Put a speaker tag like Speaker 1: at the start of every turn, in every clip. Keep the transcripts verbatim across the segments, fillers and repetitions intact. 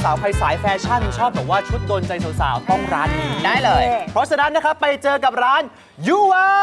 Speaker 1: สาวๆใครสายแฟชั่นชอบแบบว่าชุดโดนใจสาวๆต้องร้านนี้
Speaker 2: ได้เลย
Speaker 1: เพราะฉะนั้นนะครับไปเจอกับร้านยูวา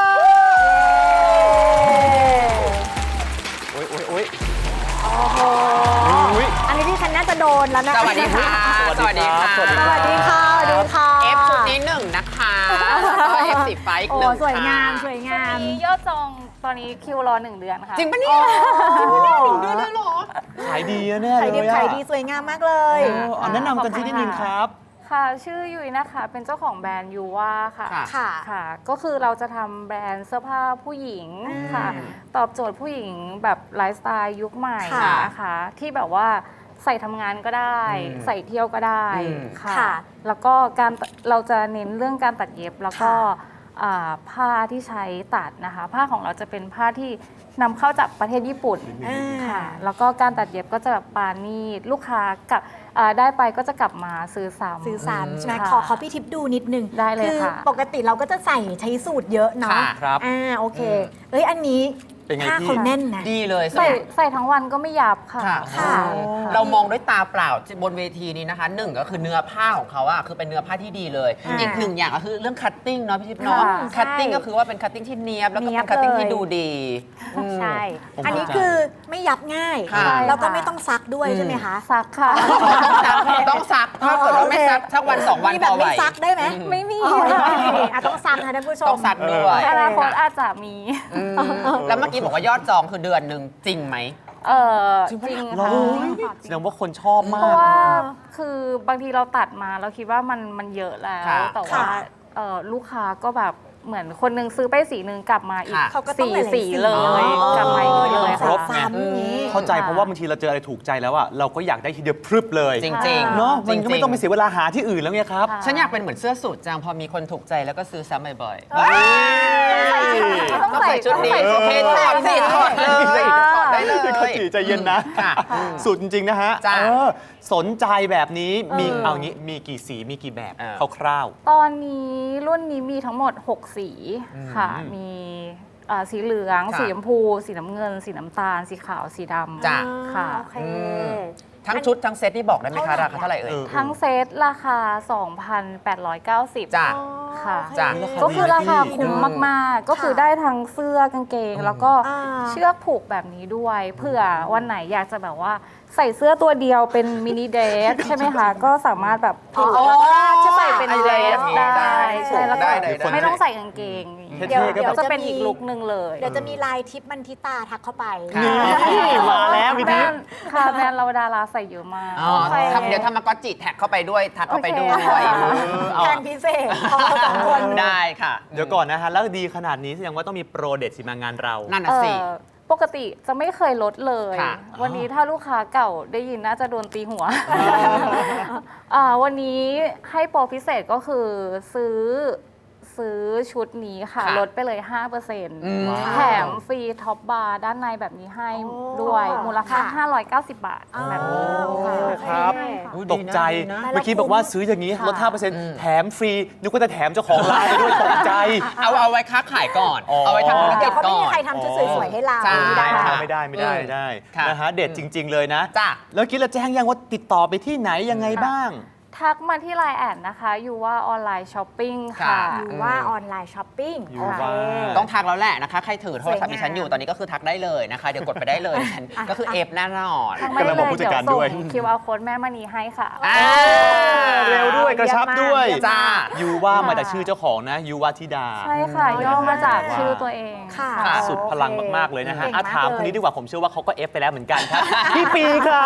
Speaker 1: โอ้ยโอ้ยโอ้ย
Speaker 3: โอ้โห
Speaker 1: อุ๊ย
Speaker 3: อันนี้ที่ฉันน่าจะโดนแล้วนะ
Speaker 2: สวัสดีค่ะ
Speaker 1: สวัสดีค่ะ
Speaker 3: สวัสดีค่ะสวัสดีค่ะ
Speaker 2: เอฟชุดนี้หนึ่งนะคะแล้วก็เอฟสีฟ้าอีก
Speaker 3: โอ้
Speaker 2: หนึ่ง
Speaker 3: สวยงามส
Speaker 2: ค่ะ
Speaker 3: วยงาม
Speaker 4: มียอดจองตอนนี้คิวรอหนึ่งเดือนค่ะ
Speaker 2: จริงปะเนี่ยจริงปะเนี่ยหนึ่งเดือนเลยเหรอ
Speaker 1: ขายดีอะแน่
Speaker 3: ขาย
Speaker 1: เล
Speaker 3: ดี
Speaker 1: ยอะ
Speaker 3: ขายดีสวยงามมากเลย
Speaker 1: เออเอาแนะนำกันที่นิดนึงครับ
Speaker 4: ค่ะ ชื่อยุ้ยนะคะ เป็นเจ้าของแบรนด์ยูว่าค่ะ
Speaker 2: ค่ะ
Speaker 3: ค่ะ
Speaker 4: ค่ะ ก็คือเราจะทำแบรนด์เสื้อผ้าผู้หญิงค่ะ
Speaker 2: อืม
Speaker 4: ตอบโจทย์ผู้หญิงแบบไลฟ์สไตล์ยุคใหม่
Speaker 3: ค่ะ
Speaker 4: นะคะ ที่แบบว่าใส่ทำงานก็ได้
Speaker 2: อืม
Speaker 4: ใส่เที่ยวก็ได้
Speaker 2: อืม
Speaker 4: ค่ะ
Speaker 3: ค่ะ
Speaker 4: แล้วก็การเราจะเน้นเรื่องการตัดเย็บแล้วก็
Speaker 3: ค่ะ
Speaker 4: อ่าผ้าที่ใช้ตัดนะคะ ผ้าของเราจะเป็นผ้าที่นำเข้าจากประเทศญี่ปุ่น
Speaker 3: อ่า
Speaker 4: ค่ะ แล้วก็การตัดเย็บก็จะแบบปานีตลูกค้ากับอ่าได้ไปก็จะกลับมาซื้อซ้ำ
Speaker 3: ซื้อซ้ำใช่ไหม
Speaker 4: ค่ะ
Speaker 3: ขอขอพี่ทิพย์ดูนิดนึง
Speaker 4: ได้เลย
Speaker 3: คือ
Speaker 4: ค่ะ
Speaker 3: ปกติเราก็จะใส่ใช้สูตรเยอะเนาะ
Speaker 2: ค่ะ
Speaker 1: ครับ
Speaker 3: อ่าโอเคเอ้ยอันนี้
Speaker 1: เป็นไง
Speaker 3: ผ้า
Speaker 1: พี่
Speaker 3: เขาแน่นนะ
Speaker 2: ดีเลย
Speaker 4: ใส่ใส่ทั้งวันก็ไม่ยับค่ะ
Speaker 2: ค่ะ
Speaker 3: ค่ะ
Speaker 2: เรามองด้วยตาเปล่าบนเวทีนี้นะคะหนึ่งก็คือเนื้อผ้าของเขาอะคือเป็นเนื้อผ้าที่ดีเลย
Speaker 3: อ่า
Speaker 2: อีกหนึ่งอย่างก็คือเรื่องคัตติ้งเนาะพี่ทิพย์เนาะ
Speaker 4: ค่ะ
Speaker 2: คัตติ้งก็คือว่าเป็นคัตติ้งที่เนียบแล้วก็
Speaker 4: เนี๊
Speaker 2: เป็
Speaker 4: ยบ
Speaker 2: นคัตติ้งที่
Speaker 4: เลย
Speaker 2: ดูดีอืม
Speaker 3: ใช่
Speaker 1: ผม
Speaker 3: อันนี้
Speaker 1: เข้าใจ
Speaker 3: คือไม่ยับง่าย
Speaker 2: ค่ะ
Speaker 3: แล้วก็ไม่ต้องซักด้วยใช่ไหมคะ
Speaker 4: ซักค่ะ
Speaker 2: ต้องซักต้องซักถ้าเกิดว่าไม่ซักสักวันสองวัน
Speaker 3: มี
Speaker 2: พ
Speaker 3: แบ
Speaker 2: อบ ไหว
Speaker 3: ไม่ซักได้ไหม
Speaker 4: ไม่มี
Speaker 3: อ๋อ
Speaker 4: ค่ะ
Speaker 3: อ่ะต้องซักนะท่านผู้ชม
Speaker 2: ต้องซักด้วย
Speaker 4: อนาคตอาจจะมี
Speaker 2: อืมแล้วเมื่อกี้บอกว่ายอดจองคือเดือนหนึ่งจริงไหม
Speaker 4: เออจริง
Speaker 1: เรา
Speaker 4: ค่ะ
Speaker 1: แสดงว่าคนชอบมา
Speaker 4: เพราะ
Speaker 1: ก
Speaker 4: ว่าคือบางทีเราตัดมาเราคิดว่ามันมันเยอะแล้ว
Speaker 2: ค่ะ
Speaker 4: แต่ว่า
Speaker 3: ค่ะ
Speaker 4: เอ่อลูกค้าก็แบบเหมือนคนนึงซื้อไปสีหนึ่งกลับมาอีก
Speaker 2: ค่ะ
Speaker 3: เขาก็ต้อง
Speaker 4: สี
Speaker 3: หลายๆ
Speaker 4: สีเลย
Speaker 3: อ๋อก
Speaker 4: ลับมาอีกเลย
Speaker 1: ครบ
Speaker 4: ค่ะ
Speaker 3: ซ้ำอย่างนี้
Speaker 1: เข้าใจเพราะว่าบางทีเราเจออะไรถูกใจแล้วอะเราก็อยากได้ทีเดียวพรึบเลย
Speaker 2: จริงๆ
Speaker 1: เนาะมันก็
Speaker 2: จริ
Speaker 1: ไม่
Speaker 2: ๆ
Speaker 1: ต้องไปเสียเวลาหาที่อื่นแล้วไงครับ
Speaker 4: ค่ะ
Speaker 2: ฉันอยากเป็นเหมือนเสื้อสูทจังพอมีคนถูกใจแล้วก็ซื้อซ้ำบ่อยๆ
Speaker 4: ต้อง
Speaker 2: ต้อง
Speaker 4: ใส่
Speaker 2: ใส่ชุดนี้
Speaker 4: ต้อง
Speaker 2: โอ
Speaker 4: ใส่
Speaker 2: เคถอดสิถอดเลยถอดได้เลย
Speaker 1: เขาจีใจเย็นนะ
Speaker 2: ค่ะ
Speaker 1: สุดจริง ๆ นะฮะ
Speaker 2: จ้ะ
Speaker 1: เออสนใจแบบนี้มี
Speaker 4: เออ
Speaker 1: เอางี้มีกี่สีมีกี่แบบ
Speaker 2: เออ
Speaker 1: คร่าว
Speaker 4: ตอนนี้รุ่นนี้มีทั้งหมด หก สีค่ะ
Speaker 1: อืม
Speaker 4: มีเอ่อสีเหลือง
Speaker 2: ค่ะ
Speaker 4: สีชมพู สีน้ำเงิน สีน้ำตาล สีขาว สีดำ
Speaker 2: จ้ะ
Speaker 4: ค่ะ
Speaker 3: โอเค
Speaker 2: อืม ทั้งชุดทั้งเซตนี่บอกได้ไหมคะราคาเท่าไหร่เอ่ย
Speaker 1: เออ
Speaker 4: ทั้งเซตราคา สองพันแปดร้อยเก้าสิบ
Speaker 2: จ้ะ
Speaker 4: ค่ะ
Speaker 3: โอเค
Speaker 2: จ้ะ
Speaker 4: ก็คือราคาคุ้ม
Speaker 2: อืม
Speaker 4: มาก ๆ ก็คือได้ทั้งเสื้อกางเกง แล้วก็
Speaker 3: อ่า
Speaker 4: เชือกผูกแบบนี้ด้วยเผื่อวันไหนอยากจะแบบว่าใส่เสื้อตัวเดียวเป็นมินิเดรสใช่ไหมคะ ก็สามารถแบบผูก
Speaker 2: อ๋อ
Speaker 4: แล้วก็จะใส่เป็น
Speaker 2: ไอ
Speaker 4: เด
Speaker 2: เดี
Speaker 4: ร
Speaker 2: ย
Speaker 4: ส
Speaker 2: ได้
Speaker 4: ได้ใช่แล้วก็
Speaker 2: ได้ได้ได้
Speaker 4: ไม่ต้องใส่กางเกง
Speaker 1: เท่
Speaker 3: เดี๋ยว
Speaker 1: ๆก็
Speaker 4: เดี๋ยว
Speaker 1: แบบ
Speaker 4: จะเป็นอีกลุคนึงเลย
Speaker 3: เดี๋ยวจะมีลายทิปมันทิตาทักเข้าไป
Speaker 2: ค่ะ
Speaker 1: นี่มาแล้วพี่
Speaker 4: แบร
Speaker 1: ทิพ
Speaker 4: น
Speaker 1: ย์
Speaker 4: ด์ค่ะแบรนด์เราดาราใส่เยอะมาก
Speaker 2: อ๋อ
Speaker 4: โอเค
Speaker 2: ทำเดี๋ยวทำมาก็จิแท็กเข้าไปด้วยทักเข้าไปด้วย
Speaker 4: โอเค
Speaker 1: เออเอา
Speaker 3: แทนพิเศษของเราสองคน
Speaker 2: ได้ค่ะ
Speaker 1: เดี๋ยวก่อนนะฮะ แล้วดีขนาดนี้แสดงว่าต้องมีโปรเด็ดสิมางานเรา
Speaker 2: นั่นน่ะสิ
Speaker 4: เอ่อปกติจะไม่เคยลดเลย
Speaker 2: ค่ะ
Speaker 4: วันนี้ถ้าลูกค้าเก่าได้ยินน่าจะโดนตีหัวอ่าวันนี้ให้โปรพิเศษก็คือซื้อซื้อชุดนี้ค่ะ
Speaker 2: ค่ะ
Speaker 4: ลดไปเลย ห้าเปอร์เซ็นต์
Speaker 2: อืม
Speaker 4: แถมฟรีท็อปบาร์ด้านในแบบนี้ให้
Speaker 3: โอ้
Speaker 4: ด้วย มูลค่า
Speaker 3: ค่ะ
Speaker 4: ห้าร้อยเก้าสิบ บาท
Speaker 3: อ๋อ
Speaker 4: แบบนี้
Speaker 3: โอเค
Speaker 1: ครับ
Speaker 2: อุ๊ย
Speaker 1: ตกใจ
Speaker 2: ดีนะดีนะ
Speaker 1: เมื่อกี้บอกว่าซื้ออย่างนี้ลด ห้าเปอร์เซ็นต์
Speaker 2: อืม
Speaker 1: แถมฟรีนึกว่าจะแถมเจ้าของร้านไปด้วยตกใจ
Speaker 2: เอาเอาไว้ค้าขายก่อน
Speaker 1: อ๋อ
Speaker 2: เอาไว้ทำธุร
Speaker 3: เดี๋
Speaker 2: กิ
Speaker 3: ย
Speaker 2: จ
Speaker 3: วเขาไม่
Speaker 2: ก่อ
Speaker 3: มี
Speaker 2: น
Speaker 3: ใครทำชุดสวยๆให้เรา
Speaker 2: ใช่
Speaker 3: ไม่ได้
Speaker 2: ค่ะ
Speaker 1: ไม่ได้ไม่ได้ไม่ได้
Speaker 2: ค่ะ
Speaker 1: นะฮะเด็ดจริง ๆ เลยนะ
Speaker 2: จ้ะ
Speaker 1: แล้วคิดแล้วแจ้งยังว่าติดต่อไปที่ไหนยังไงบ้าง
Speaker 4: ทักมาที่ไลน์แอดนะคะอยู่ว่าออนไลน์ช้อปปิ้ง
Speaker 2: ค่ะ
Speaker 4: ค่ะ
Speaker 3: หรือว่าออนไลน์ช้อปปิ้ง
Speaker 1: อยู่
Speaker 3: โอเค
Speaker 1: ว่า
Speaker 2: ต้องทักแล้วแหละนะคะ ใครถือโทรศัพท์
Speaker 3: สวยงาม
Speaker 2: ดิฉันอยู่ตอนนี้ก็คือทักได้เลยนะคะ เดี๋ยวกดไปได้เลยดิฉันก็คือเอฟแน่นอน
Speaker 4: ทักมาได้
Speaker 1: กำลังบ
Speaker 4: เล
Speaker 1: อก
Speaker 4: ย
Speaker 1: ผู้จัด
Speaker 4: เดี๋ยว
Speaker 1: การ
Speaker 4: ส่
Speaker 1: ด้วย
Speaker 4: ง คิว อาร์ Code แม่มณีให้ค่ะ
Speaker 2: อ่า
Speaker 1: เร็วด้วยกระชับด้วย
Speaker 2: จ้า
Speaker 1: ยูว่ามาจากชื่อเจ้าของนะยูว่าธิดา
Speaker 4: ใช่ค่ะ ย่อมาจากชื่อตัวเอง
Speaker 3: ค่ะ
Speaker 2: ค่ะ
Speaker 1: สุดพลังมาก ๆ เลยนะฮะ
Speaker 3: เก่ง
Speaker 1: อ่ะ
Speaker 3: มาก
Speaker 1: ถาม
Speaker 3: เลย
Speaker 1: คนนี้ดีกว่าผมเชื่อว่าเขาก็เอฟไปแล้วเหมือนกันครับ พี่ปีครับ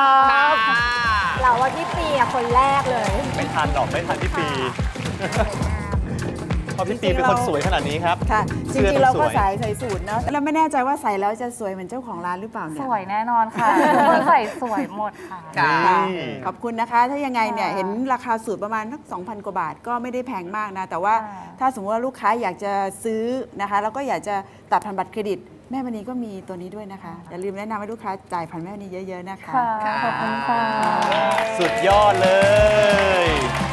Speaker 3: เราว่าพี่ปีอะคนแรกเลย
Speaker 1: ไม่ทันหรอกไม่ทันพี่ปีเพราะพี่ปีเป็นคนสวยขนาดนี้ครับ
Speaker 5: ค่ะจ
Speaker 1: เสื้อ
Speaker 5: ริงๆเรา
Speaker 1: ต้องส
Speaker 5: ก็
Speaker 1: วย
Speaker 5: ใส่ใส่สูตรเนาะแล้วไม่แน่ใจว่าใส่แล้วจะสวยเหมือนเจ้าของร้านหรือเปล่าเนี่
Speaker 4: ส
Speaker 5: ย
Speaker 4: วยแน่นอนค่ะทุกคนใส่สวยหมดค่ะ
Speaker 2: ค่ะ
Speaker 5: ค่ะขอบคุณนะคะ ถ้ายังไงเนี่ย
Speaker 4: ค่ะ
Speaker 5: เห็นราคาสูตรประมาณสักสองพันกว่าบาทก็ไม่ได้แพงมากนะ แต่ว่า
Speaker 4: ค่ะ
Speaker 5: ถ้าสมมติว่าลูกค้าอยากจะซื้อนะคะแล้วก็อยากจะตัดผ่านบัตรเครดิต แม่มณีก็มีตัวนี้ด้วยนะคะ อย่าลืมแนะนำให้ลูกค้าจ่ายผ่านแม่มณีเยอะๆนะคะ
Speaker 4: ค่ะ ขอบคุณค่ะ
Speaker 1: สุดยอดเลย